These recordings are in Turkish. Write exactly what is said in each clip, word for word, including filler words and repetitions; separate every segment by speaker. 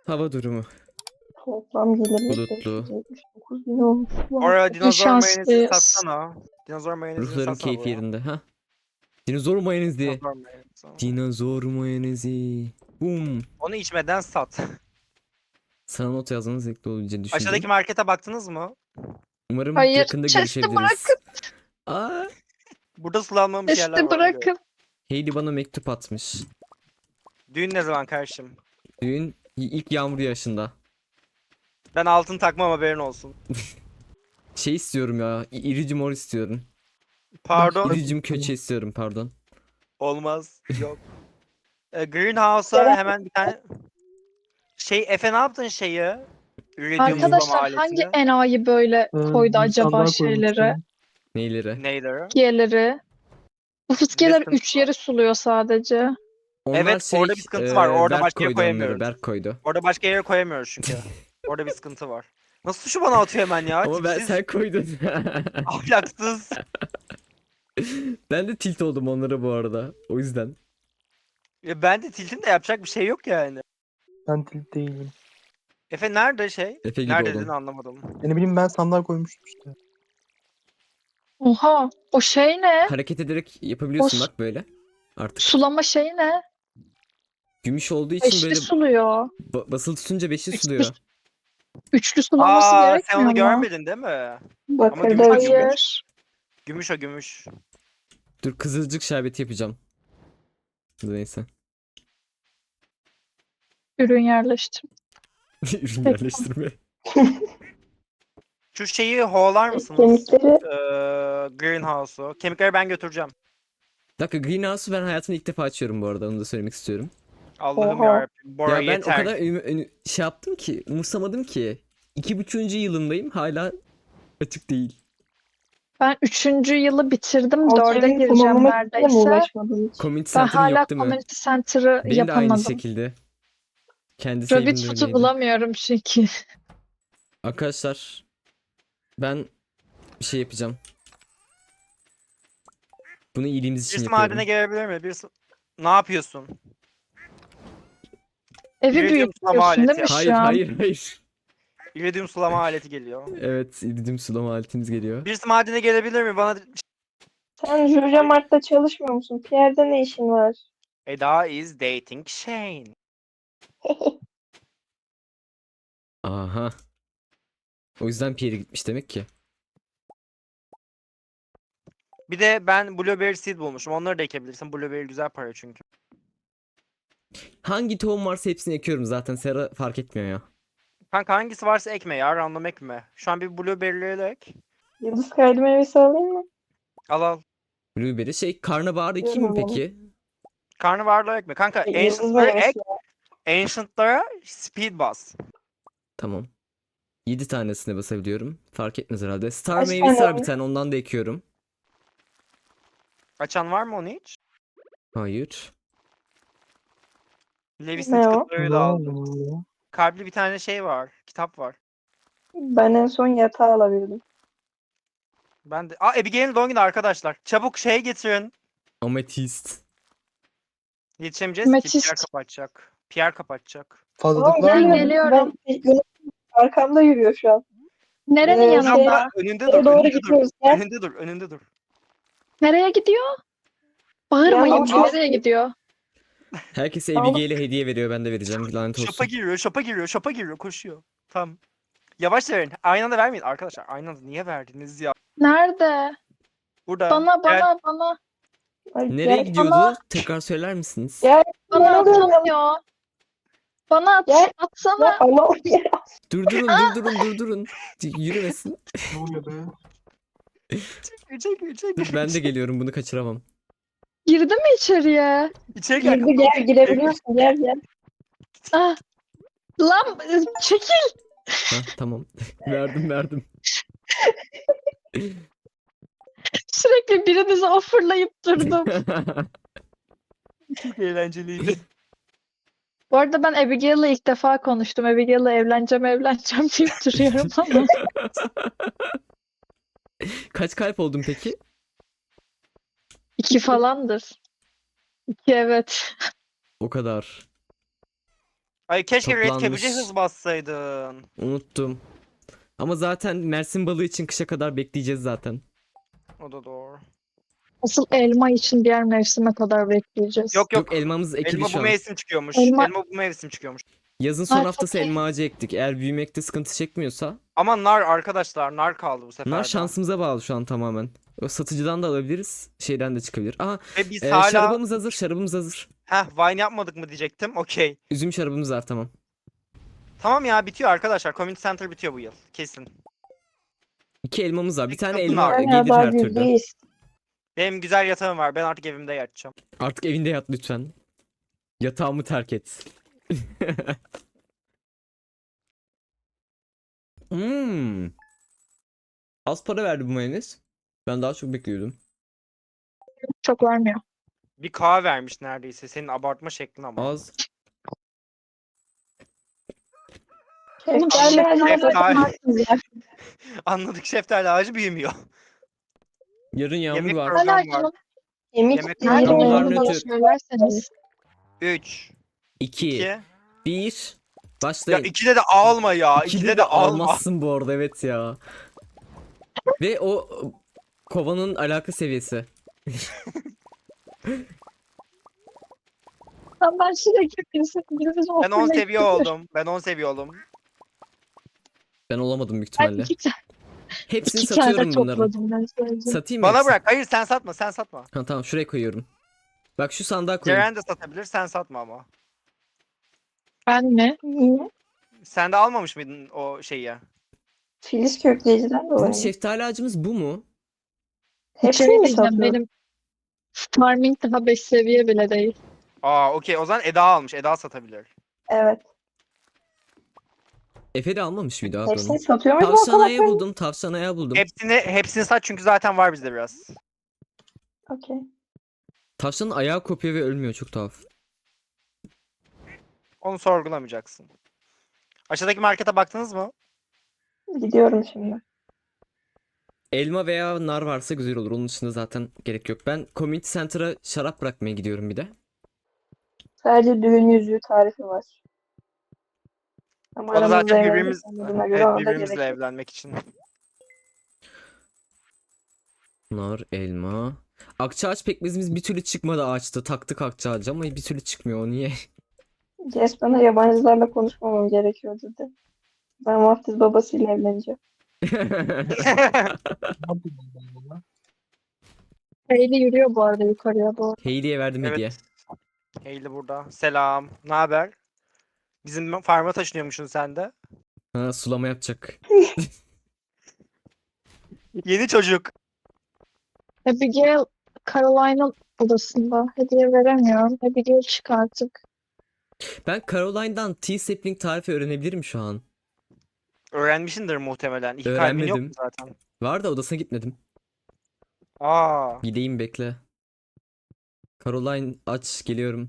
Speaker 1: Hava durumu.
Speaker 2: Toplam geliri
Speaker 1: Bulutlu.
Speaker 2: beş yüz yetmiş dokuz bin olmuş.
Speaker 3: Oraya
Speaker 2: Wow.
Speaker 3: dinozor mayonezi
Speaker 4: şanslıyız.
Speaker 3: satsana. Dinozor mayonezini
Speaker 1: Ruhların
Speaker 3: satsana
Speaker 1: keyfi
Speaker 3: buraya.
Speaker 1: yerinde. Ha? Dinozor mayonezi.
Speaker 3: Dinozor mayonezi.
Speaker 1: Dinozor mayonezi. Bum.
Speaker 3: Onu içmeden sat.
Speaker 1: Sana not yazmanız zevkli olabileceğini düşündüm.
Speaker 3: Aşağıdaki markete baktınız mı?
Speaker 1: Umarım
Speaker 4: Hayır,
Speaker 1: yakında
Speaker 4: chest'i
Speaker 1: görüşebiliriz. Aa,
Speaker 3: Burada sulanmamış yerler
Speaker 4: Chest'i
Speaker 3: var. ona göre.
Speaker 4: bırakın.
Speaker 1: Hayley bana mektup atmış.
Speaker 3: Düğün ne zaman kardeşim?
Speaker 1: Düğün ilk yağmur yağışında.
Speaker 3: Ben altın takmam, haberin olsun.
Speaker 1: Şey istiyorum ya. i- iridium mor istiyorum.
Speaker 3: Pardon.
Speaker 1: İridium köçe istiyorum pardon.
Speaker 3: Olmaz. Yok. E, Greenhouse'a hemen bir tane... Şey Efe, ne yaptın şeyi? Iridium sulama
Speaker 4: Arkadaşlar hangi
Speaker 3: aletini.
Speaker 4: enayi böyle
Speaker 5: Ee,
Speaker 4: koydu
Speaker 5: bir
Speaker 4: acaba
Speaker 5: sandığa
Speaker 4: şeyleri,
Speaker 5: koymuştum.
Speaker 1: Neyleri?
Speaker 3: Neyleri?
Speaker 4: fıskiyeleri? Bu fıskiyeler
Speaker 3: sıkıntı
Speaker 4: üç yeri suluyor sadece.
Speaker 1: Onlar
Speaker 3: Evet,
Speaker 1: şey,
Speaker 3: orada bir sıkıntı
Speaker 1: e,
Speaker 3: var. Orada
Speaker 1: Berk
Speaker 3: başka yere
Speaker 1: koydu onları.
Speaker 3: koyamıyoruz.
Speaker 1: Berk koydu.
Speaker 3: Orada başka yere koyamıyoruz çünkü. Orada bir sıkıntı var. Nasıl şu bana atıyor hemen ya?
Speaker 1: Ama ben
Speaker 3: Tipsiz,
Speaker 1: sen koydun.
Speaker 3: ahlaksız.
Speaker 1: Ben de tilt oldum onlara bu arada. O yüzden.
Speaker 3: Ya ben de tiltim de yapacak bir şey yok yani.
Speaker 5: Ben tilt değilim.
Speaker 3: Efe nerede şey?
Speaker 1: Efe gibi
Speaker 3: Nerede
Speaker 1: oldum.
Speaker 3: dediğini anlamadım.
Speaker 5: Ne bileyim, ben sandığa koymuştum işte.
Speaker 4: Oha, o şey ne?
Speaker 1: Hareket ederek yapabiliyorsun
Speaker 4: O-
Speaker 1: bak böyle. Artık.
Speaker 4: Sulama şeyi ne?
Speaker 1: Gümüş olduğu için
Speaker 4: Beşli
Speaker 1: böyle
Speaker 4: suluyor.
Speaker 1: ba- basılı tutunca beşli
Speaker 4: Üç-
Speaker 1: suluyor.
Speaker 4: Üçlü sulaması
Speaker 3: Aa, sen
Speaker 4: gerekmiyor
Speaker 3: onu
Speaker 4: mu?
Speaker 3: görmedin değil mi?
Speaker 2: Bakırda
Speaker 3: gümüş-
Speaker 2: uçuyor.
Speaker 4: Hayır.
Speaker 3: Gümüş o gümüş.
Speaker 1: Dur kızılcık şerbeti yapacağım. Neyse.
Speaker 4: Ürün yerleştir.
Speaker 1: Ürün yerleştirme.
Speaker 3: Şu şeyi hoğlar mısınız?
Speaker 2: Kemikleri
Speaker 3: Ee, Greenhouse'u. Kemikleri ben götüreceğim.
Speaker 1: Bir dakika Greenhouse'u ben hayatımda ilk defa açıyorum bu arada. Onu da söylemek istiyorum.
Speaker 3: Allah'ım
Speaker 2: Oha.
Speaker 3: yarabbim. Bora
Speaker 1: ya ben
Speaker 3: yeter.
Speaker 1: o kadar ünü- ünü- şey yaptım ki umursamadım ki. İki buçuğuncu yılındayım hala açık değil.
Speaker 4: Ben üçüncü yılı bitirdim. Dörde
Speaker 2: Alçemin
Speaker 4: gireceğim
Speaker 2: kullanılmak için mi
Speaker 4: neredeyse.
Speaker 2: uğraşmadın hiç?
Speaker 1: Community
Speaker 4: Ben
Speaker 1: Center
Speaker 4: hala
Speaker 1: yok değil mi?
Speaker 4: community center'ı
Speaker 1: Benim de aynı
Speaker 4: yapamadım.
Speaker 1: şekilde. Kendi
Speaker 4: Rabbit
Speaker 1: save'imde
Speaker 4: foot'u
Speaker 1: öyleydi.
Speaker 4: bulamıyorum çünkü.
Speaker 1: Arkadaşlar ben bir şey yapacağım. Bunu iyiliğimiz için
Speaker 3: Birisi
Speaker 1: yapıyorum.
Speaker 3: madene gelebilir mi? Birisi... Ne yapıyorsun?
Speaker 4: Evi
Speaker 3: Iridium sulama
Speaker 4: büyütüyorsun değil
Speaker 3: aleti
Speaker 4: mi
Speaker 1: Hayır
Speaker 4: şu an?
Speaker 1: hayır hayır.
Speaker 3: İridium sulama aleti geliyor.
Speaker 1: Evet iridium sulama aletimiz geliyor.
Speaker 3: Birisi madene gelebilir mi? Bana
Speaker 2: Sen Jurja Mart'ta çalışmıyor musun? Pierre'de ne işin var?
Speaker 3: Eda is dating Shane.
Speaker 1: Aha. O yüzden Pierre gitmiş demek ki.
Speaker 3: Bir de ben blueberry seed bulmuşum. Onları da ekebilirsin. Blueberry güzel para çünkü.
Speaker 1: Hangi tohum varsa hepsini ekiyorum zaten. Sera fark etmiyor ya.
Speaker 3: Kanka hangisi varsa ekme ya. Random ekme. Şu an bir blueberry'leri ek.
Speaker 2: Yıldız kaydı meyvesi alayım mı?
Speaker 3: Al al.
Speaker 1: Blueberry şey karnabahar ekeyim mi
Speaker 2: Bilmiyorum.
Speaker 1: peki?
Speaker 3: Karnabaharları ekme. Kanka
Speaker 2: E, Yıldız
Speaker 3: ancient'ları ek.
Speaker 2: meyvesi.
Speaker 3: Ancient'lara speed bas.
Speaker 1: Tamam. yedi tanesine basabiliyorum. Fark etmez herhalde. Star
Speaker 2: Kaç
Speaker 1: meyvesi
Speaker 2: tane
Speaker 1: var bir
Speaker 2: var?
Speaker 1: tane ondan da ekiyorum.
Speaker 3: Açan var mı onu hiç?
Speaker 1: Hayır.
Speaker 3: Levis'in
Speaker 2: Ne o?
Speaker 3: kitapları
Speaker 5: Ne
Speaker 3: da
Speaker 5: oldu
Speaker 3: aldım.
Speaker 5: ya?
Speaker 3: Kalpli bir tane şey var. Kitap var.
Speaker 2: Ben en son yatağı alabildim.
Speaker 3: Ben de... Aa, Abigail'in doğum günü arkadaşlar. Çabuk şey getirin.
Speaker 1: Ametist.
Speaker 3: Yetişemeyeceğiz ki.
Speaker 4: Ametist.
Speaker 3: Pierre kapatacak. Pierre kapatacak.
Speaker 5: Fazlalık
Speaker 2: Tamam,
Speaker 5: var
Speaker 4: Ben
Speaker 5: mı?
Speaker 4: geliyorum.
Speaker 2: Ben, benim arkamda yürüyor şu an.
Speaker 4: Nerenin
Speaker 2: Ee,
Speaker 4: yanında?
Speaker 2: şey-
Speaker 3: Abla, önünde dur.
Speaker 2: Şeye doğru
Speaker 3: Önünde dur.
Speaker 2: gidiyoruz. Gel.
Speaker 3: Önünde dur. Önünde dur.
Speaker 4: Nereye gidiyor? Bağırmayın.
Speaker 2: Ya,
Speaker 3: al.
Speaker 4: Nereye gidiyor?
Speaker 1: Herkese
Speaker 2: Al.
Speaker 1: Abigail'e hediye veriyor. Ben de vereceğim. Lanet
Speaker 3: Şopa
Speaker 1: olsun.
Speaker 3: giriyor. Şopa giriyor. Şopa giriyor. Koşuyor. Tamam. Yavaş verin. Aynı anda vermeyin arkadaşlar. Aynı anda niye verdiniz ya?
Speaker 4: Nerede?
Speaker 3: Burada.
Speaker 4: Bana
Speaker 3: Gel.
Speaker 4: bana bana.
Speaker 2: Ay,
Speaker 1: Nereye
Speaker 2: gel.
Speaker 1: gidiyordu?
Speaker 4: Ama-
Speaker 1: Tekrar söyler misiniz?
Speaker 2: Gel. Ben
Speaker 4: Bana
Speaker 2: alıyorum.
Speaker 4: atamıyor. Bana at,
Speaker 2: Gel. Ya,
Speaker 4: atsana.
Speaker 2: ama ya.
Speaker 1: Durdurun durdurun durdurun. Yürümesin.
Speaker 5: Ne oluyor be?
Speaker 3: Çekil çekil çekil.
Speaker 1: Ben de geliyorum bunu kaçıramam.
Speaker 4: Girdi mi içeriye?
Speaker 3: İçeri gel.
Speaker 2: Girdi gel girebiliyorsun. Gel gel.
Speaker 4: Ah. Lan çekil.
Speaker 1: Ha tamam. verdim verdim.
Speaker 4: Sürekli birinizi offerlayıp durdum.
Speaker 3: Çok eğlenceliydi.
Speaker 4: Bu arada ben Abigail'le ilk defa konuştum. Abigail'le evleneceğim evleneceğim deyip duruyorum ama.
Speaker 1: Kaç kalp oldun peki?
Speaker 4: İki falandır. İki evet.
Speaker 1: O kadar.
Speaker 3: Ay keşke Red
Speaker 1: Toplanmış.
Speaker 3: Cabbage'e hız bassaydın.
Speaker 1: Unuttum. Ama zaten Mersin balığı için kışa kadar bekleyeceğiz zaten.
Speaker 3: O da doğru.
Speaker 4: Asıl elma için diğer mevsime kadar bekleyeceğiz.
Speaker 3: Yok yok.
Speaker 1: Yok, elmamız ekili
Speaker 3: Elma
Speaker 1: şu
Speaker 3: bu
Speaker 1: an.
Speaker 3: mevsim çıkıyormuş.
Speaker 4: Elma-
Speaker 3: Elma bu mevsim çıkıyormuş.
Speaker 1: Yazın son
Speaker 4: Ha,
Speaker 1: haftası
Speaker 4: okey.
Speaker 1: elma ağacı ektik. Eğer büyümekte sıkıntı çekmiyorsa.
Speaker 3: Ama nar arkadaşlar, nar kaldı bu sefer
Speaker 1: Bunlar
Speaker 3: de.
Speaker 1: şansımıza bağlı şu an tamamen. O satıcıdan da alabiliriz. Şeyden de çıkabilir. Aha,
Speaker 3: Ve biz
Speaker 1: e,
Speaker 3: hala
Speaker 1: şarabımız hazır. Şarabımız hazır.
Speaker 3: heh wine yapmadık mı diyecektim. Okey.
Speaker 1: Üzüm şarabımız var, tamam.
Speaker 3: Tamam ya, bitiyor arkadaşlar. Community Center bitiyor bu yıl. Kesin.
Speaker 1: İki elmamız var. Bir tane
Speaker 3: Yakın
Speaker 1: elma
Speaker 3: abi.
Speaker 2: Ben
Speaker 1: gelir
Speaker 2: daha
Speaker 1: her türlü.
Speaker 2: yüzdeyiz.
Speaker 3: Benim güzel yatağım var. Ben artık evimde yatacağım.
Speaker 1: Artık evinde yat lütfen. Yatağımı terk et. Hmm. Az para verdi bu mayonez. Ben daha çok bekliyordum.
Speaker 4: Çok vermiyor.
Speaker 3: Bir kahve vermiş neredeyse. Senin abartma şeklin ama.
Speaker 1: Az.
Speaker 4: Oğlum
Speaker 2: Şeftali
Speaker 4: şeftali
Speaker 2: acaba
Speaker 3: Şeftali.
Speaker 4: bakmazsınız ya.
Speaker 3: Anladık, şeftali ağacı büyümüyor.
Speaker 1: Yarın yağmur
Speaker 3: Yemek
Speaker 1: var.
Speaker 3: program
Speaker 4: Hala
Speaker 3: var.
Speaker 2: Yemek
Speaker 3: Yemek
Speaker 4: nerede
Speaker 1: Tamam,
Speaker 4: olduğunu
Speaker 1: var
Speaker 4: bana
Speaker 1: nötr.
Speaker 4: söylerseniz.
Speaker 3: üç,
Speaker 1: iki,
Speaker 3: iki.
Speaker 1: bir.
Speaker 3: Ya
Speaker 1: Başlayın.
Speaker 3: ikide de alma ya.
Speaker 1: İkide
Speaker 3: İkide
Speaker 1: de
Speaker 3: de alma.
Speaker 1: almazsın bu arada, evet ya. Ve o kovanın alaka seviyesi.
Speaker 4: Lan ben sürekli birisi birisi
Speaker 3: Ben on seviye oldum. Ben on seviye oldum.
Speaker 1: Ben olamadım büyük
Speaker 4: Ben
Speaker 1: ihtimalle.
Speaker 4: iki,
Speaker 1: Hepsini
Speaker 4: iki tane
Speaker 1: satıyorum bunların.
Speaker 4: topladım ben sadece.
Speaker 1: Satayım mı
Speaker 3: Bana
Speaker 1: hepsini?
Speaker 3: bırak. Hayır, sen satma. Sen satma.
Speaker 1: Ha, tamam, şuraya koyuyorum. Bak şu sandığa koyayım.
Speaker 3: Ceren de satabilir. Sen satma ama.
Speaker 4: Ben mi?
Speaker 2: Niye?
Speaker 3: Sen de almamış mıydın o şeyi ya?
Speaker 2: Filiz kökleyiciden dolayı.
Speaker 1: Bizim
Speaker 2: mı?
Speaker 1: şeftali ağacımız bu mu?
Speaker 2: Hepsini
Speaker 4: Şey
Speaker 2: mi
Speaker 4: diyeceğim,
Speaker 2: satıyor?
Speaker 4: benim farming daha beş seviye bile değil.
Speaker 3: Aa okey. O zaman Eda almış. Eda satabilir.
Speaker 2: Evet.
Speaker 1: Efe de almamış mıydı abi
Speaker 2: Hepsini
Speaker 1: onu?
Speaker 2: satıyor muydu
Speaker 1: Tavşan
Speaker 2: o
Speaker 1: ayağı
Speaker 2: kadar?
Speaker 1: buldum. Tavşan ayağı buldum.
Speaker 3: Hepsini hepsini sat çünkü zaten var bizde biraz.
Speaker 2: Okey.
Speaker 1: Tavşanın ayağı kopuyor ve ölmüyor, çok tuhaf.
Speaker 3: Onu sorgulamayacaksın. Aşağıdaki markete baktınız mı?
Speaker 2: Gidiyorum şimdi.
Speaker 1: Elma veya nar varsa güzel olur. Onun dışında zaten gerek yok. Ben Community Center'a şarap bırakmaya gidiyorum bir de.
Speaker 2: Sadece düğün yüzüğü tarifi var. Ama
Speaker 3: O da
Speaker 2: aramızda
Speaker 3: zaten
Speaker 2: evlendik
Speaker 3: birbirimiz
Speaker 2: olduğuna göre
Speaker 3: evet,
Speaker 2: ona da
Speaker 3: birbirimizle
Speaker 2: gerek yok.
Speaker 3: evlenmek için.
Speaker 1: Nar, elma. Akçaağaç pekmezimiz bir türlü çıkmadı ağaçta. Taktık akçaağacı ama bir türlü çıkmıyor. O niye?
Speaker 2: Jess bana yabancılarla konuşmamam gerekiyor dedi. Ben vaftiz babasıyla evleneceğim.
Speaker 5: Ne yapayım ben buna?
Speaker 4: Hayley yürüyor bu arada yukarıya doğru.
Speaker 1: Hayley'e verdim hediye.
Speaker 3: Evet. Hayley burada. Selam. Ne haber? Bizim farma taşınıyormuşsun sen de.
Speaker 1: Ha, sulama yapacak.
Speaker 3: Yeni çocuk.
Speaker 4: Abigail Caroline'ın odasında. Hediye veremiyorum. Abigail çık artık.
Speaker 1: Ben Caroline'dan tea sapling tarifi öğrenebilirim şu an.
Speaker 3: Öğrenmişindir muhtemelen. İki kalbin yok mu
Speaker 1: Öğrenmedim.
Speaker 3: zaten?
Speaker 1: Var da odasına gitmedim.
Speaker 3: Aa.
Speaker 1: Gideyim, bekle. Caroline aç, geliyorum.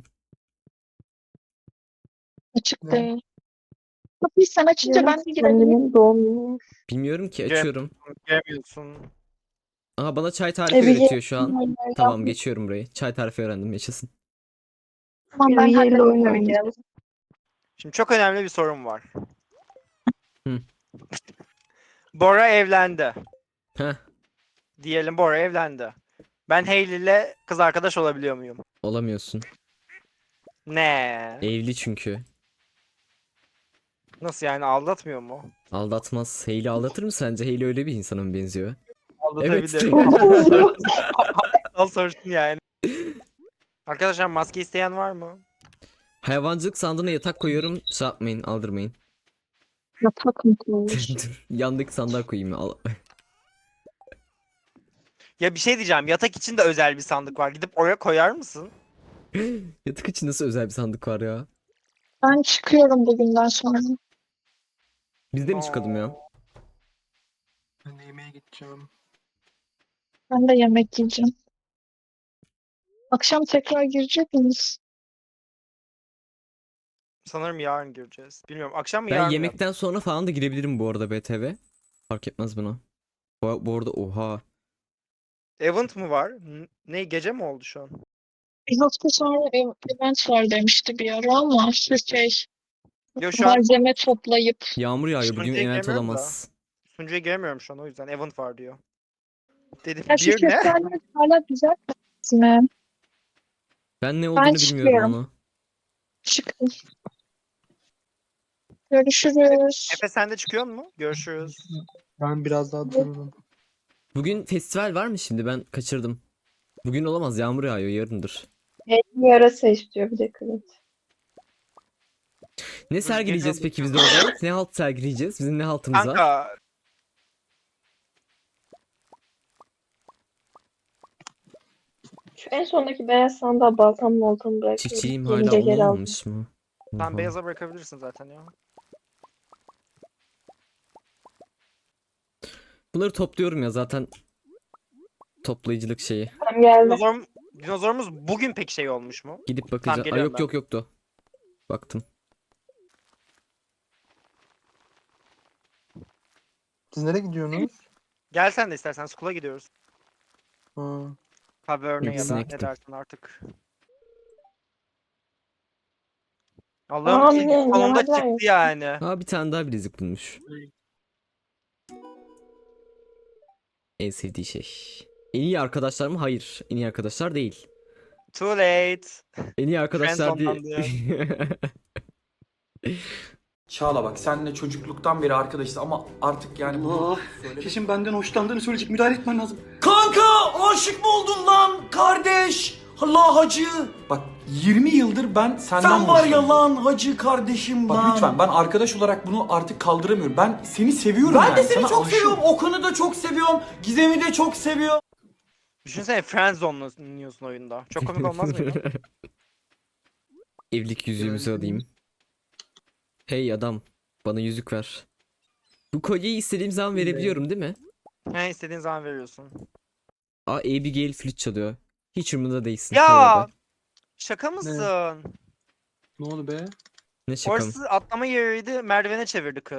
Speaker 4: Açık
Speaker 5: Ne?
Speaker 4: değil. Kapıyı sen açınca ben de girebilirim.
Speaker 2: Kendimin doğum günü.
Speaker 1: Bilmiyorum ki,
Speaker 3: Cem-
Speaker 1: açıyorum.
Speaker 3: Göremiyorsun.
Speaker 1: Aha, bana çay tarifi
Speaker 2: Abigail-
Speaker 1: öğretiyor şu an. Tamam, geçiyorum burayı. Çay tarifi öğrendim, yaşasın.
Speaker 4: Tamam ben
Speaker 2: Abigail'le
Speaker 4: hallettim
Speaker 2: oyun
Speaker 4: oyunu.
Speaker 2: oynayalım.
Speaker 3: Şimdi çok önemli bir sorum var.
Speaker 1: Hı.
Speaker 3: Bora evlendi.
Speaker 1: Heh,
Speaker 3: Diyelim Bora evlendi. Ben Hayley ile kız arkadaş olabiliyor muyum?
Speaker 1: olamıyorsun.
Speaker 3: Ne?
Speaker 1: Evli çünkü.
Speaker 3: Nasıl yani, aldatmıyor mu?
Speaker 1: Aldatmaz. Hayley aldatır mı sence? Hayley öyle bir insana mı benziyor?
Speaker 3: Aldatabilir.
Speaker 1: Evet.
Speaker 3: Al sorsun yani. Arkadaşlar maske isteyen var mı?
Speaker 1: Hayvancılık sandığına yatak koyuyorum. Şey yapmayın, aldırmayın.
Speaker 4: Yatak mı koymuş?
Speaker 1: Dur, yandaki sandığa koyayım. Al.
Speaker 3: Ya bir şey diyeceğim. Yatak için de özel bir sandık var. Gidip oraya koyar mısın?
Speaker 1: Yatak için nasıl özel bir sandık var ya?
Speaker 4: Ben çıkıyorum bugünden sonra.
Speaker 1: Biz de mi çıkalım ya?
Speaker 5: Ben de yemeğe gideceğim.
Speaker 4: Ben de yemek yiyeceğim. Akşam tekrar girecek miyiz?
Speaker 3: Sanırım yarın gireceğiz. Bilmiyorum. Akşam mı
Speaker 1: Ben
Speaker 3: yarın mı?
Speaker 1: yemekten sonra falan da girebilirim bu arada B T V. Fark etmez buna. Bu, bu arada oha.
Speaker 3: Event mı var? N- Ne, gece mi oldu şu an?
Speaker 4: Bir hafta sonra ev- event var demişti bir ara ama şu şey
Speaker 3: Yo şu an
Speaker 4: Malzeme toplayıp.
Speaker 1: Yağmur yağıyor. Bugün
Speaker 3: Sunucuya
Speaker 1: event
Speaker 3: giremiyorum da.
Speaker 1: olamaz.
Speaker 3: sunucuya giremiyorum şu an o yüzden event var diyor. Dedim
Speaker 4: Ya şu
Speaker 3: bir ne?
Speaker 4: şeftaliler hala güzel mi?
Speaker 1: Ben ne
Speaker 4: Ben
Speaker 1: olduğunu bilmiyorum
Speaker 4: çıkıyorum.
Speaker 1: onu.
Speaker 4: Çıkın. Görüşürüz.
Speaker 3: Efe sen de çıkıyor mu? Görüşürüz.
Speaker 5: Ben biraz daha dururum.
Speaker 1: Bugün festival var mı şimdi? Ben kaçırdım. Bugün olamaz. Yağmur yağıyor. Yarındır.
Speaker 2: Bir yarasa istiyor bir de Clint.
Speaker 1: Ne sergileyeceğiz peki biz de orada? Ne halt sergileyeceğiz? Bizim ne haltımız var?
Speaker 3: Kanka
Speaker 2: Şu en sondaki beyaz sandığa baltamı moltamı bırakıyorum.
Speaker 1: Çiftçiliğim
Speaker 2: Gelince
Speaker 1: hala
Speaker 2: geri aldım.
Speaker 1: olamamış mı?
Speaker 3: sen
Speaker 1: Oha.
Speaker 3: beyaza bırakabilirsin zaten ya.
Speaker 1: Bunları topluyorum ya zaten. Toplayıcılık şeyi.
Speaker 2: Tam geldi.
Speaker 3: Dinozor, dinozorumuz bugün pek şey olmuş mu?
Speaker 1: Gidip bakacağım. Ay
Speaker 3: geliyorum
Speaker 1: yok
Speaker 3: ben.
Speaker 1: yok yoktu. Baktım.
Speaker 5: Siz nereye gidiyorsunuz?
Speaker 3: Gel sen de istersen school'a gidiyoruz.
Speaker 5: Ha.
Speaker 3: Taverne ya
Speaker 1: İkisine
Speaker 3: da
Speaker 1: gittim.
Speaker 3: ne dersin artık.
Speaker 2: Aa,
Speaker 3: Allah'ım ilk
Speaker 2: ne-
Speaker 3: sonunda
Speaker 2: ne var lan?
Speaker 3: çıktı yani.
Speaker 1: Aa bir tane daha bilezik bulmuş. En sevdiği şey. En iyi arkadaşlar mı? Hayır. En iyi arkadaşlar değil.
Speaker 3: Too late.
Speaker 1: En iyi arkadaşlar değil.
Speaker 3: Friendzone'dan
Speaker 6: Çağla bak senle çocukluktan beri arkadaşız ama artık yani bunu
Speaker 7: Allah.
Speaker 6: söyle.
Speaker 7: Kesin benden hoşlandığını söyleyecek. Müdahale etmen lazım.
Speaker 6: Kanka aşık mı oldun lan kardeş? Allah hacı. Bak yirmi yıldır ben senden
Speaker 7: Sen var ya
Speaker 6: lan hacı kardeşim
Speaker 7: Bak
Speaker 6: lan.
Speaker 7: lütfen ben arkadaş olarak bunu artık kaldıramıyorum. Ben seni seviyorum
Speaker 6: Ben
Speaker 7: yani.
Speaker 6: de seni
Speaker 7: Sana
Speaker 6: çok
Speaker 7: aşığım.
Speaker 6: seviyorum. Okan'ı da çok seviyorum. Gizem'i de çok seviyorum.
Speaker 3: Düşünsene Friendzone'luyorsun oyunda. Çok komik olmaz mıydı?
Speaker 1: Evlilik yüzüğümüzü
Speaker 5: Evet.
Speaker 1: alayım. Hey adam. Bana yüzük ver. Bu kolyeyi istediğim zaman verebiliyorum değil mi?
Speaker 3: He istediğin zaman veriyorsun.
Speaker 1: Aa Abigail flüt çalıyor. Hiç umurunda değilsin.
Speaker 3: Ya!
Speaker 1: bu arada.
Speaker 3: Şaka mısın?
Speaker 5: Ne oldu be?
Speaker 1: Ne şaka mı?
Speaker 3: Orası atlama yeriydi, merdivene çevirdi kız.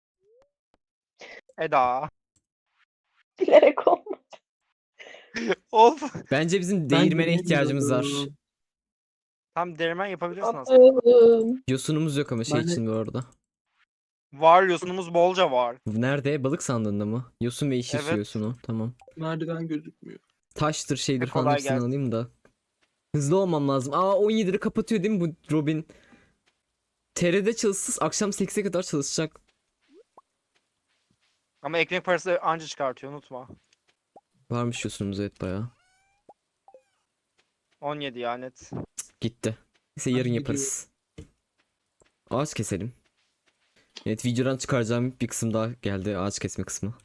Speaker 3: Eda.
Speaker 2: Bilerek olmadı.
Speaker 3: Of.
Speaker 1: Bence bizim
Speaker 5: Ben
Speaker 1: değirmene
Speaker 5: de
Speaker 1: ihtiyacımız var.
Speaker 5: bilmiyorum.
Speaker 3: Tam derman yapabilirsin aslında.
Speaker 2: Attım.
Speaker 1: Yosunumuz yok ama şey
Speaker 5: Ben de-
Speaker 1: için bu arada.
Speaker 3: Var yosunumuz bolca var.
Speaker 1: Nerede? Balık sandığında mı? Yosun ve yeşil su
Speaker 3: Evet.
Speaker 1: yosunu. Tamam.
Speaker 5: Merdiven gözükmüyor.
Speaker 1: Taştır şeydir
Speaker 3: E,
Speaker 1: falan
Speaker 3: kolay
Speaker 1: hepsini
Speaker 3: gelsin.
Speaker 1: alayım da. Hızlı olmam lazım. Aa on yedide kapatıyor değil mi bu Robin? T R'de çalışsız akşam sekize kadar çalışacak.
Speaker 3: Ama ekmek parası anca çıkartıyor unutma.
Speaker 1: Varmış yosunumuz evet bayağı.
Speaker 3: on yedi ya net.
Speaker 1: Gitti. Neyse
Speaker 5: Hadi
Speaker 1: yarın
Speaker 5: gidiyor.
Speaker 1: yaparız. Ağaç keselim. Evet videodan çıkaracağım bir kısım daha geldi. Ağaç kesme kısmı.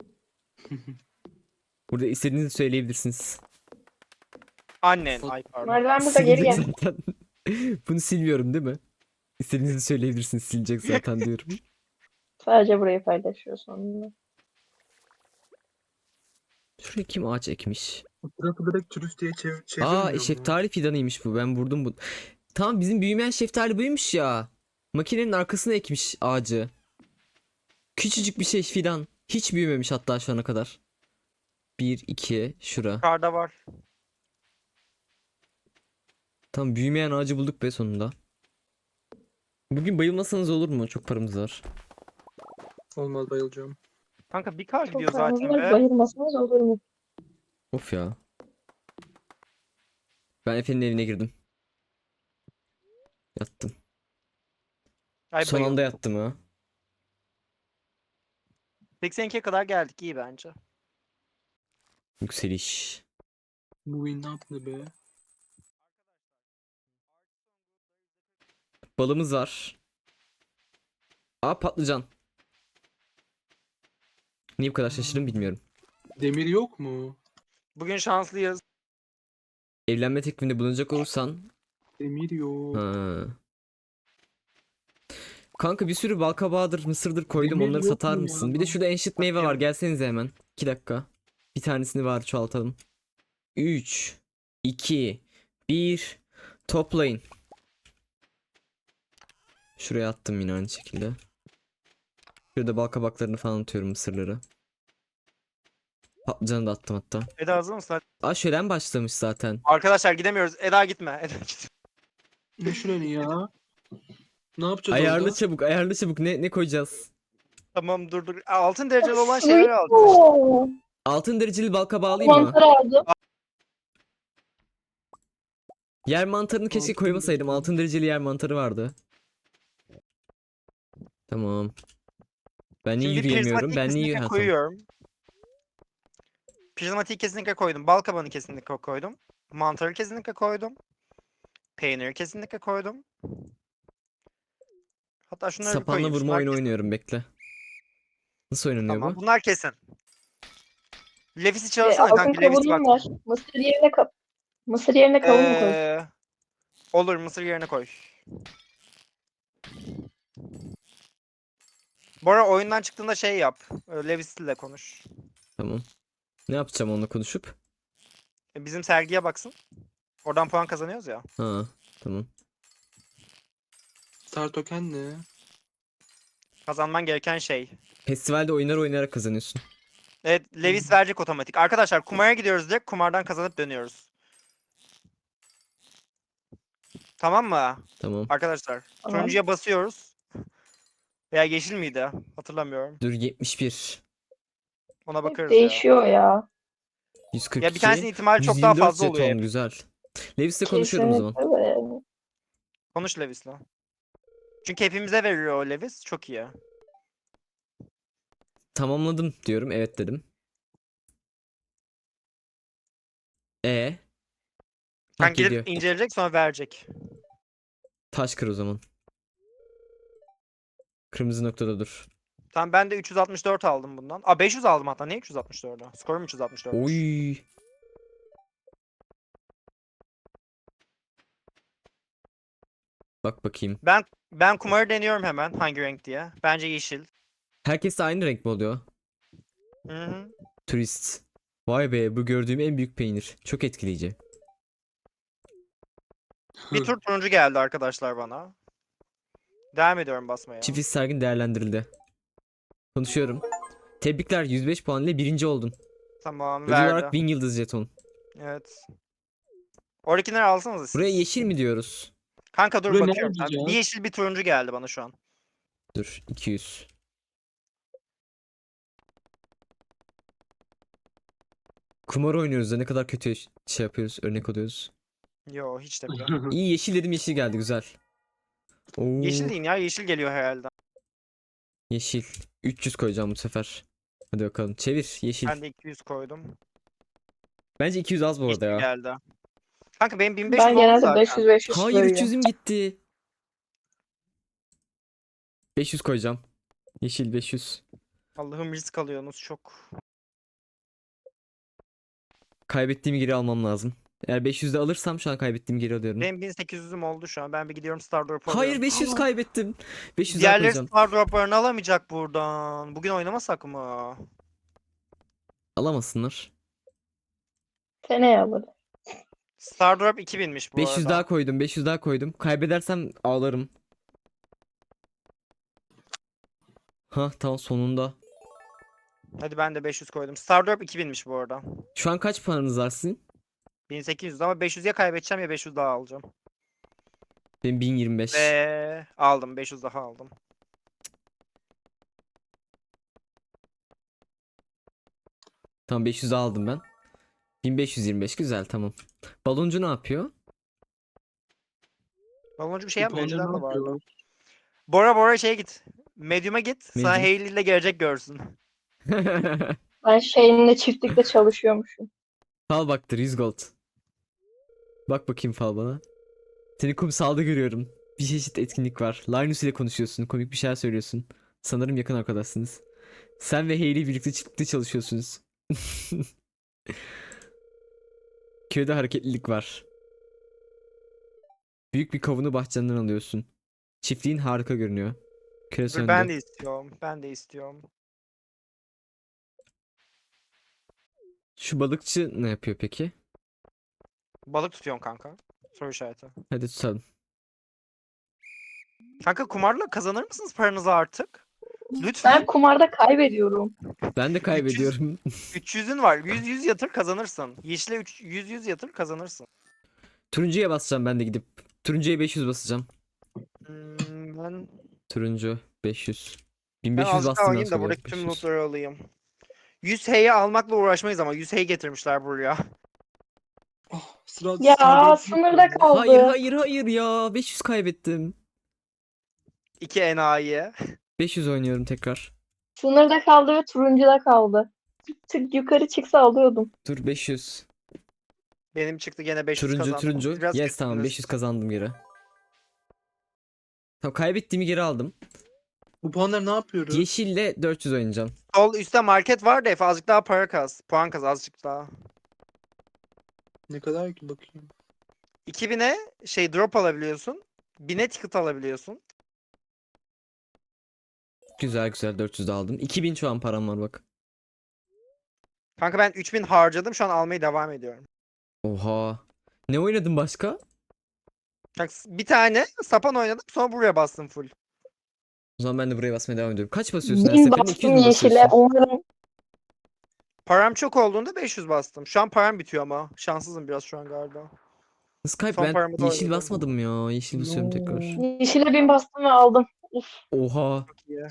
Speaker 1: Burada istediğinizi söyleyebilirsiniz.
Speaker 3: Annen. Ay pardon.
Speaker 2: Merdiven burada geri
Speaker 1: Silecek
Speaker 2: gel.
Speaker 1: zaten. Bunu silmiyorum değil mi? İstediğinizi söyleyebilirsiniz. Silecek zaten diyorum.
Speaker 2: Sadece burayı paylaşıyorsun onunla.
Speaker 1: Şuraya kim ağaç ekmiş?
Speaker 5: O tarafı direkt turist diye çev çevirmiyor
Speaker 1: Aa
Speaker 5: mu?
Speaker 1: şeftali fidanıymış bu. Ben vurdum bu. Tamam bizim büyümeyen şeftali buymuş ya. Makinenin arkasına ekmiş ağacı. Küçücük bir şey fidan. Hiç büyümemiş hatta şu ana kadar. Bir, iki, şura.
Speaker 3: Yukarıda var.
Speaker 1: Tamam büyümeyen ağacı bulduk be sonunda. Bugün bayılmasanız olur mu? Çok paramız var.
Speaker 5: Olmaz bayılacağım.
Speaker 3: Kanka bir kar
Speaker 2: Çok
Speaker 3: gidiyor zaten
Speaker 2: fazla
Speaker 3: be.
Speaker 2: bayılmasanız olur mu?
Speaker 1: Of ya. Ben Efe'nin evine girdim. Yattım.
Speaker 3: Ay
Speaker 1: Son
Speaker 3: bayıldım.
Speaker 1: anda yattım ha.
Speaker 3: seksen ikiye kadar geldik iyi bence.
Speaker 1: Yükseliş.
Speaker 5: Bu win ne yaptı be?
Speaker 1: Balımız var. Aa patlıcan. Niye bu kadar şaşırdım bilmiyorum.
Speaker 5: Demir yok mu?
Speaker 3: Bugün şanslıyız.
Speaker 1: Evlenme teklifinde bulunacak olursan.
Speaker 5: Demir yok.
Speaker 1: Ha. Kanka bir sürü balkabağıdır, mısırdır koydum.
Speaker 5: Demir
Speaker 1: Onları
Speaker 5: yok
Speaker 1: satar
Speaker 5: mu
Speaker 1: mısın?
Speaker 5: ya?
Speaker 1: Bir de şurada enşit meyve
Speaker 3: Bakayım.
Speaker 1: var. Gelsenize hemen. iki dakika. Bir tanesini var çoğaltalım. üç, iki, bir. Toplayın. Şuraya attım yine aynı şekilde. Şurada balkabaklarını falan atıyorum mısırları. Patlıcanı da attım hatta.
Speaker 3: Eda hazır mısın?
Speaker 1: Aa şölen başlamış zaten.
Speaker 3: Arkadaşlar gidemiyoruz. Eda gitme. Eda gitme.
Speaker 5: Ne şureni ya? Ne yapacağız
Speaker 1: Ayarlı
Speaker 5: orada?
Speaker 1: çabuk, ayarlı çabuk. Ne ne koyacağız?
Speaker 3: Tamam dur dur. Altın dereceli olan şeyleri aldık.
Speaker 2: Oo,
Speaker 1: Altın dereceli balka bağlayayım mı?
Speaker 2: mantar aldım.
Speaker 1: Yer mantarını keşke
Speaker 5: Altın
Speaker 1: koymasaydım.
Speaker 5: dereceli.
Speaker 1: Altın dereceli yer mantarı vardı. Tamam. Ben niye
Speaker 3: Şimdi
Speaker 1: yürüyemiyorum?
Speaker 3: prizmatiği
Speaker 1: Ben niye
Speaker 3: kesinlikle
Speaker 1: ha, tamam.
Speaker 3: koyuyorum. Prizmatiği kesinlikle koydum. Bal kabağını kesinlikle koydum. Mantarı kesinlikle koydum. Peyniri kesinlikle koydum. Hatta şunları bir
Speaker 1: Sapanla
Speaker 3: koyayım.
Speaker 1: vurma
Speaker 3: Şunlar
Speaker 1: oyunu
Speaker 3: kesin.
Speaker 1: oynuyorum, bekle. Nasıl oynanıyor
Speaker 3: Tamam
Speaker 1: bu?
Speaker 3: bunlar kesin. Levis'i
Speaker 2: E,
Speaker 3: çağırsana
Speaker 2: altın
Speaker 3: kanka. Levis bak.
Speaker 2: kavunum var. Mısır yerine ka Mısır yerine kavun mu koy?
Speaker 3: Ee, olur mısır yerine koy. Bora oyundan çıktığında şey yap. e, Levis ile konuş.
Speaker 1: Tamam. Ne yapacağım onunla konuşup?
Speaker 3: E, Bizim sergiye baksın. Oradan puan kazanıyoruz ya.
Speaker 1: Ha, tamam.
Speaker 5: Star token ne?
Speaker 3: Kazanman gereken şey.
Speaker 1: Festivalde oyunlar oynayarak kazanıyorsun.
Speaker 3: Evet, Levis verecek otomatik. Arkadaşlar kumara gidiyoruz direkt. Kumardan kazanıp dönüyoruz. Tamam mı?
Speaker 1: Tamam.
Speaker 3: Arkadaşlar.
Speaker 2: Tamam.
Speaker 3: Turuncuya basıyoruz. Veya yeşil miydi? Hatırlamıyorum.
Speaker 1: Dur, yetmiş bir.
Speaker 3: Ona
Speaker 2: Hep
Speaker 3: bakarız ya.
Speaker 2: değişiyor ya.
Speaker 1: yüz kırk iki.
Speaker 3: Ya bir tanesinin ihtimali çok
Speaker 1: yüz
Speaker 3: daha
Speaker 1: yirmi dört
Speaker 3: fazla oluyor
Speaker 1: jeton,
Speaker 3: hep.
Speaker 1: güzel. Levis'le konuşuyorum o zaman.
Speaker 2: Kesinlikle de.
Speaker 3: Konuş Levis'le. Çünkü hepimize veriyor o Levis. Çok iyi.
Speaker 1: Tamamladım diyorum. Evet dedim. E. Ha,
Speaker 3: Kanka
Speaker 1: geliyor.
Speaker 3: gidip inceleyecek sonra verecek.
Speaker 1: Taş kır o zaman. Kırmızı noktada dur.
Speaker 3: Tamam ben de üç yüz altmış dört aldım bundan. Aa beş yüz aldım hatta. Niye üç yüz altmış dördü? Skorum üç yüz altmış dört.
Speaker 1: Oy. Bak bakayım.
Speaker 3: Ben ben kumarı deniyorum hemen hangi renk diye. Bence yeşil.
Speaker 1: Herkes de aynı renk mi oluyor?
Speaker 3: Hı hı.
Speaker 1: Turist. Vay be, bu gördüğüm en büyük peynir. Çok etkileyici.
Speaker 3: Bir tur turuncu geldi arkadaşlar bana. Devam ediyorum basmaya.
Speaker 1: Çift his sergin değerlendirildi. Konuşuyorum. Tebrikler, yüz beş puan ile birinci oldun.
Speaker 3: Tamam
Speaker 1: Ödül
Speaker 3: verdi.
Speaker 1: olarak bin yıldız jeton.
Speaker 3: Evet. Oradakileri alsanız siz.
Speaker 1: Buraya yeşil mi diyoruz?
Speaker 3: Kanka dur
Speaker 5: Buraya ne
Speaker 3: bakıyorum. Sen-
Speaker 5: yazacağız?
Speaker 3: Bir yeşil bir turuncu geldi bana şu an.
Speaker 1: Dur, iki yüz. Kumar oynuyoruz da ne kadar kötü şey yapıyoruz, örnek oluyoruz.
Speaker 3: Yo hiç de bile.
Speaker 1: İyi, yeşil dedim, yeşil geldi, güzel. Oo,
Speaker 3: Yeşil deyin ya yeşil geliyor herhalde.
Speaker 1: yeşil. üç yüz koyacağım bu sefer. Hadi bakalım, çevir, yeşil.
Speaker 3: Ben de iki yüz koydum.
Speaker 1: Bence iki yüz az bu arada
Speaker 3: Yeşil
Speaker 1: ya.
Speaker 3: geldi. Kanka benim bin beş yüz
Speaker 2: Ben
Speaker 3: oldu
Speaker 2: genelde
Speaker 3: zaten.
Speaker 2: beş yüz beş yüz
Speaker 1: Hayır,
Speaker 2: koyuyorum.
Speaker 1: üç yüzüm gitti. beş yüz koyacağım. Yeşil beş yüz.
Speaker 3: Allah'ım risk alıyorsunuz çok.
Speaker 1: Kaybettiğimi geri almam lazım. Eğer beş yüzde alırsam şu an kaybettiğimi geri alıyorum.
Speaker 3: Benim bin sekiz yüzüm oldu şu an. Ben bir gidiyorum Star Drop
Speaker 1: Hayır,
Speaker 3: alıyorum.
Speaker 1: beş yüz
Speaker 3: Aa,
Speaker 1: kaybettim. beş yüz daha
Speaker 3: Diğerleri
Speaker 1: koyacağım.
Speaker 3: Star Drop'larını alamayacak buradan. Bugün oynamasak mı?
Speaker 1: Alamasınlar.
Speaker 2: Seneye alırım.
Speaker 3: Star Drop iki binmiş bu
Speaker 1: beş yüz
Speaker 3: arada.
Speaker 1: daha koydum. beş yüz daha koydum. Kaybedersem ağlarım. Ha tamam, sonunda.
Speaker 3: Hadi ben de beş yüz koydum. Star Drop iki binmiş bu arada.
Speaker 1: Şu an kaç paranız var sizin?
Speaker 3: bin sekiz yüz ama beş yüz ya kaybedeceğim ya beş yüz daha alacağım.
Speaker 1: Benim bin yirmi beş.
Speaker 3: Ve aldım. beş yüz daha aldım.
Speaker 1: Tamam, beş yüz daha aldım ben. bin beş yüz yirmi beş, güzel, tamam. Baloncu ne yapıyor?
Speaker 3: Baloncu bir şey yapmıyor.
Speaker 5: Japonlar
Speaker 3: Önceden
Speaker 5: ne
Speaker 3: de vardı.
Speaker 5: yapıyor?
Speaker 3: Bora Bora şeye git. Medium'a git. Sana
Speaker 1: Medium.
Speaker 3: Hayley ile gelecek görsün.
Speaker 2: Ben şeyinle çiftlikte çalışıyormuşum.
Speaker 1: Fal baktır, yüz gold. Bak bakayım fal bana. Seni kumsalda görüyorum. Bir çeşit etkinlik var. Linus ile konuşuyorsun. Komik bir şeyler söylüyorsun. Sanırım yakın arkadaşsınız. Sen ve Hayley birlikte çiftlikte çalışıyorsunuz. Köyde hareketlilik var. Büyük bir kavunu bahçenden alıyorsun. Çiftliğin harika görünüyor. Köre
Speaker 3: Dur,
Speaker 1: söndü.
Speaker 3: ben de istiyorum. Ben de istiyorum.
Speaker 1: Şu balıkçı ne yapıyor peki?
Speaker 3: Balık tutuyorum kanka. Soru işareti.
Speaker 1: Hadi tutalım.
Speaker 3: Kanka kumarla kazanır mısınız paranızı artık? Lütfen.
Speaker 2: Ben kumarda kaybediyorum.
Speaker 1: Ben de kaybediyorum.
Speaker 3: üç yüzün var. yüz yüz yatır kazanırsın. Yeşile üç- yüz yüz yatır kazanırsın.
Speaker 1: Turuncuya basacağım ben de gidip. Turuncuya beş yüz basacağım.
Speaker 3: Hmm, Ben,
Speaker 1: Turuncu beş yüz.
Speaker 3: ben
Speaker 1: bin beş yüz
Speaker 3: azıcık
Speaker 1: bastım ben
Speaker 3: alayım da
Speaker 1: sonra.
Speaker 3: buradaki tüm
Speaker 1: beş yüz.
Speaker 3: lootları alayım. yüz H'yi almakla uğraşmayız ama yüz H getirmişler buraya.
Speaker 5: Oh, sıra
Speaker 2: Ya
Speaker 5: Stardust
Speaker 2: sınırda
Speaker 5: kaldı.
Speaker 2: kaldı.
Speaker 1: Hayır hayır hayır ya. beş yüz kaybettim.
Speaker 3: İki enayi.
Speaker 1: beş yüz oynuyorum tekrar.
Speaker 2: Sınırda kaldı ve turuncuda kaldı. Tık yukarı çıksa alıyordum.
Speaker 1: Dur beş yüz.
Speaker 3: Benim çıktı gene beş yüz
Speaker 1: Turuncu
Speaker 3: kazandım.
Speaker 1: turuncu.
Speaker 3: Biraz
Speaker 1: Yes tamam
Speaker 3: kötüsünüz.
Speaker 1: beş yüz kazandım geri. Tamam kaybettiğimi geri aldım.
Speaker 5: Bu puanları ne yapıyoruz?
Speaker 1: Yeşille dört yüz oynayacağım.
Speaker 3: Sol üstte market var da Efe azıcık daha para kaz. Puan kaz azıcık daha.
Speaker 5: Ne kadar ki bakayım.
Speaker 3: iki bine şey drop alabiliyorsun. bine ticket alabiliyorsun.
Speaker 1: Güzel güzel dört yüz de aldım. iki bin şu an param var bak.
Speaker 3: Kanka ben üç bin harcadım. Şu an almaya devam ediyorum.
Speaker 1: Oha. Ne oynadın başka?
Speaker 3: Bak, bir tane sapan oynadım. Sonra buraya bastım full.
Speaker 1: O zaman ben de buraya basmaya devam ediyorum. Kaç basıyorsun her
Speaker 2: Bin
Speaker 1: seferinde? iki yüz
Speaker 2: bastım
Speaker 1: mü
Speaker 2: yeşile.
Speaker 1: basıyorsun?
Speaker 2: Umarım
Speaker 3: Param çok olduğunda beş yüz bastım. Şu an param bitiyor ama. Şanssızım biraz şu an galiba.
Speaker 1: Skype
Speaker 3: Son
Speaker 1: ben
Speaker 3: paramı da
Speaker 1: yeşil
Speaker 3: oynadım.
Speaker 1: basmadım ya. Yeşil basıyorum tekrar.
Speaker 2: yeşile bin bastım ve aldım.
Speaker 1: Oha.
Speaker 3: Çok iyi.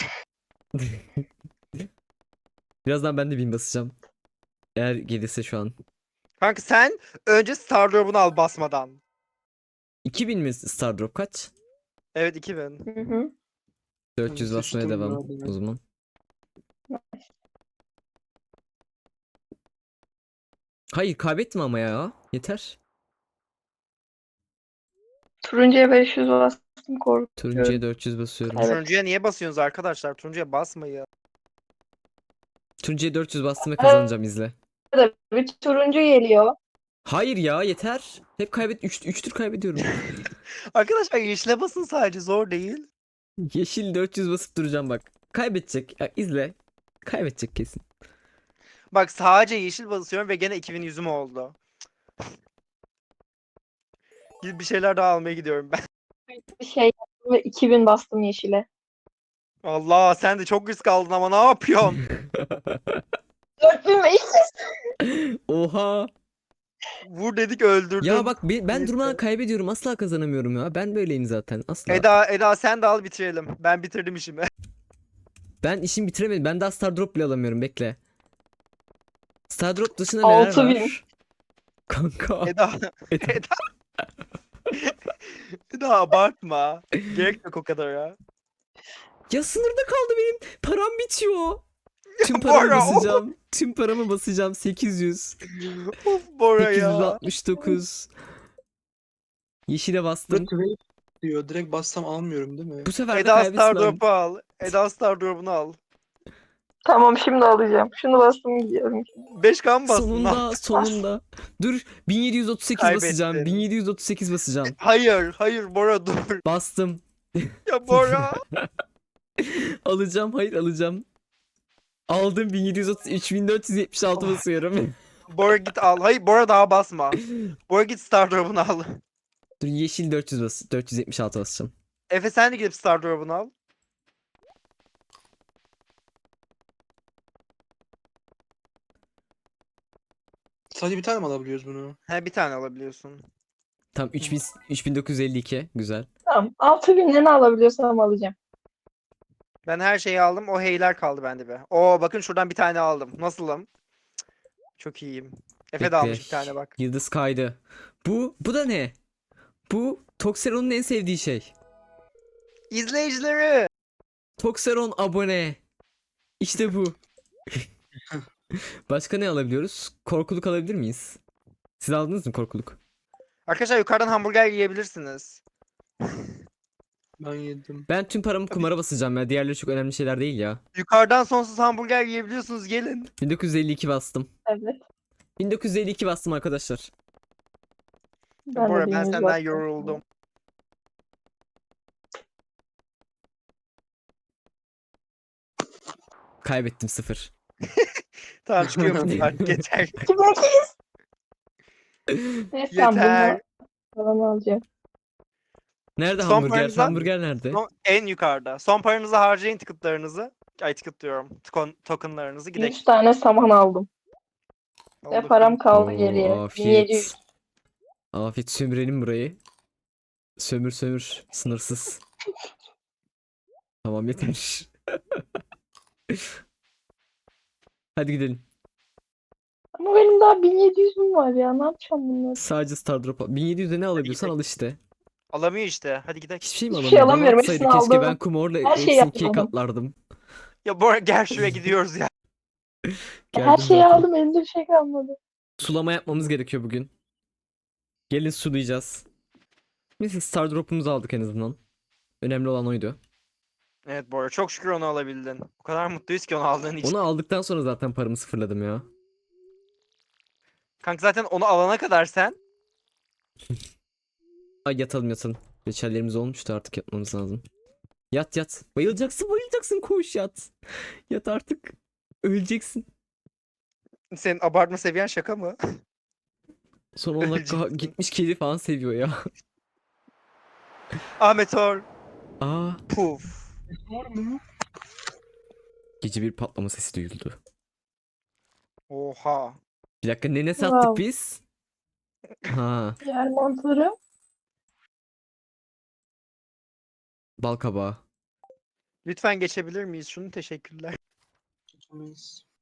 Speaker 1: Birazdan ben de bin basacağım. Eğer gelirse şu an.
Speaker 3: Kanka sen önce Star Drop'unu al basmadan.
Speaker 1: iki bin mi Stardrop kaç?
Speaker 3: Evet iki bin.
Speaker 2: Hı hı.
Speaker 1: dört yüz
Speaker 5: Ben
Speaker 1: basmaya
Speaker 5: sıçtım
Speaker 1: devam
Speaker 5: ya ben.
Speaker 1: o zaman. Hayır kaybettim ama ya. Yeter.
Speaker 2: Turuncuya beş yüz bastım korkuyorum.
Speaker 1: Turuncuya dört yüz basıyorum.
Speaker 2: Evet.
Speaker 3: Turuncuya niye basıyorsunuz arkadaşlar? Turuncuya basmayın.
Speaker 1: Turuncuya dört yüz bastım ve kazanacağım izle.
Speaker 2: Bir turuncu geliyor.
Speaker 1: Hayır ya yeter. Hep kaybet üç üç tur kaybediyorum.
Speaker 3: Arkadaşlar yeşile basın sadece zor değil.
Speaker 1: Yeşil dört yüz basıp duracağım bak. Kaybedecek. Ya, izle. Kaybedecek kesin.
Speaker 3: Bak sadece yeşil basıyorum ve gene iki bin yüzüm oldu. Gidip bir şeyler daha almaya gidiyorum ben.
Speaker 2: Bir şey yaptım ve iki bin bastım yeşile.
Speaker 3: Allah sen de çok risk aldın ama ne yapıyorsun?
Speaker 2: dört bin beş yüz.
Speaker 1: Oha.
Speaker 3: Vur dedik öldürdün.
Speaker 1: Ya bak ben, ben
Speaker 3: Neyse.
Speaker 1: durmadan kaybediyorum. Asla kazanamıyorum ya. Ben böyleyim zaten. Asla.
Speaker 3: Eda, Eda sen de al bitirelim. Ben bitirdim işimi.
Speaker 1: Ben işimi bitiremedim. Ben daha Star Drop bile alamıyorum. Bekle. Star Drop dışında neler
Speaker 2: altı bin.
Speaker 1: var? Kanka.
Speaker 3: Eda, Eda. Eda abartma. Gerek yok o kadar ya.
Speaker 1: Ya sınırda kaldı benim. Param bitiyor. Tüm
Speaker 3: Bora,
Speaker 1: paramı
Speaker 3: of.
Speaker 1: basacağım. Tüm paramı basacağım. sekiz yüz.
Speaker 3: Of Bora
Speaker 1: sekiz yüz
Speaker 3: ya.
Speaker 1: altmış dokuz. Yeşile
Speaker 5: Burada
Speaker 1: bastım.
Speaker 5: trade diyor. Direkt bassam almıyorum değil mi?
Speaker 1: Bu sefer de
Speaker 3: Eda Star
Speaker 1: kaybetmem.
Speaker 3: Drop'u al. Eda Star Drop'unu al.
Speaker 2: Tamam şimdi alacağım. Şunu bastım gidiyorum.
Speaker 3: beş K mı bastın?
Speaker 1: Sonunda sonunda. Dur bin yedi yüz otuz sekiz
Speaker 3: Kaybettin.
Speaker 1: basacağım. bin yedi yüz otuz sekiz basacağım.
Speaker 3: Hayır, hayır Bora dur.
Speaker 1: Bastım.
Speaker 3: Ya Bora.
Speaker 1: Alacağım. Hayır alacağım. Aldım bin yedi yüz otuz üç bin dört yüz yetmiş altı basıyorum.
Speaker 3: Bora git al. Hayır Bora daha basma. Bora git Star Drop'unu al.
Speaker 1: Dur yeşil dört yüz bas dört yüz yetmiş altı basacağım.
Speaker 3: Efe sen de gidip Star Drop'unu al.
Speaker 5: Sadece bir tane mi alabiliyoruz bunu?
Speaker 3: He bir tane alabiliyorsun.
Speaker 1: Tam üç bin üç bin dokuz yüz elli iki güzel.
Speaker 2: Tamam. altı binden ne alabiliyorsam alacağım.
Speaker 3: Ben her şeyi aldım. O heyler kaldı bende be. Oo bakın şuradan bir tane aldım. Nasılım? Cık, çok iyiyim. Efe de
Speaker 1: Bekle.
Speaker 3: almış bir tane bak.
Speaker 1: Yıldız kaydı. Bu bu da ne? Bu Toxeron'un en sevdiği şey.
Speaker 3: İzleyicileri.
Speaker 1: Toxeron abone. İşte bu. Başka ne alabiliyoruz? Korkuluk alabilir miyiz? Siz aldınız mı korkuluk?
Speaker 3: Arkadaşlar yukarıdan hamburger yiyebilirsiniz.
Speaker 5: Ben yedim.
Speaker 1: Ben tüm paramı kumara basacağım ya. Diğerleri çok önemli şeyler değil ya.
Speaker 3: Yukarıdan sonsuz hamburger yiyebiliyorsunuz gelin.
Speaker 1: bin dokuz yüz elli iki bastım.
Speaker 2: Evet.
Speaker 1: bin dokuz yüz elli iki bastım arkadaşlar.
Speaker 2: Ben
Speaker 3: Bora
Speaker 2: de
Speaker 3: ben
Speaker 2: bin yüz
Speaker 3: senden
Speaker 2: bastım.
Speaker 3: yoruldum.
Speaker 1: Kaybettim sıfır.
Speaker 3: Tamam çıkıyor musun artık yeter.
Speaker 2: iki bin iki yüz. Neyse tamam
Speaker 3: Yeter.
Speaker 2: bunu falan alacağım.
Speaker 1: Nerede
Speaker 3: Son
Speaker 1: hamburger?
Speaker 3: paranızdan-
Speaker 1: Hamburger nerede?
Speaker 3: Son- en yukarıda. Son paranızı harcayın ticketlarınızı. Ay ticket diyorum. Tokon, tokenlarınızı gidelim.
Speaker 2: yüz tane saman aldım. Ve
Speaker 3: Allah
Speaker 2: param kaldı
Speaker 1: Oo,
Speaker 2: geriye. bin yedi yüz.
Speaker 1: afiyet. Afiyet sömürelim burayı. Sömür sömür. Sınırsız. Tamam yeter. Hadi gidelim.
Speaker 2: Ama benim daha bin yedi yüzüm var ya. Ne yapacağım bunları?
Speaker 1: Sadece Stardrop al. bin yedi yüze ne alabiliyorsan al işte.
Speaker 3: Alamıyor işte. Hadi gidelim.
Speaker 1: Hiçbir şey mi
Speaker 2: Hiçbir şey
Speaker 1: alamıyor? Bana
Speaker 2: alamıyorum,
Speaker 1: atsaydı
Speaker 2: hepsini
Speaker 1: keşke
Speaker 2: aldım.
Speaker 1: ben kumorla
Speaker 2: Her şeyi
Speaker 1: hepsini ikiye
Speaker 2: yapmadım.
Speaker 1: katlardım.
Speaker 3: Ya Bora gel şuraya gidiyoruz ya.
Speaker 2: Her
Speaker 1: Geldim
Speaker 2: şeyi
Speaker 1: zaten.
Speaker 2: aldım, elimde bir şey kalmadı.
Speaker 1: Sulama yapmamız gerekiyor bugün. Gelin sulayacağız. Neyse Stardrop'umuzu aldık en azından. Önemli olan oydu.
Speaker 3: Evet Bora çok şükür onu alabildin. O kadar mutluyuz ki onu aldığın için.
Speaker 1: Onu aldıktan sonra zaten paramı sıfırladım ya.
Speaker 3: Kanka zaten onu alana kadar sen.
Speaker 1: Ay yatalım yatalım. Reçellerimiz olmuştu, artık yatmamız lazım. Yat yat. Bayılacaksın bayılacaksın, koş yat. Yat artık. Öleceksin.
Speaker 3: Senin abartma seviyen şaka mı?
Speaker 1: Son on dakika
Speaker 3: Öleceksin.
Speaker 1: gitmiş kedi falan seviyor ya.
Speaker 3: Ahmet Or.
Speaker 1: Aa,
Speaker 3: Puf.
Speaker 5: Var mı?
Speaker 1: gece bir patlama sesi duyuldu.
Speaker 3: Oha.
Speaker 1: Bir dakika, ne ne sattık
Speaker 2: Wow.
Speaker 1: biz? Ha,
Speaker 2: Yer mantarı.
Speaker 1: bal kabağı.
Speaker 3: Lütfen geçebilir miyiz şunu? Teşekkürler.
Speaker 5: Geçemeyiz.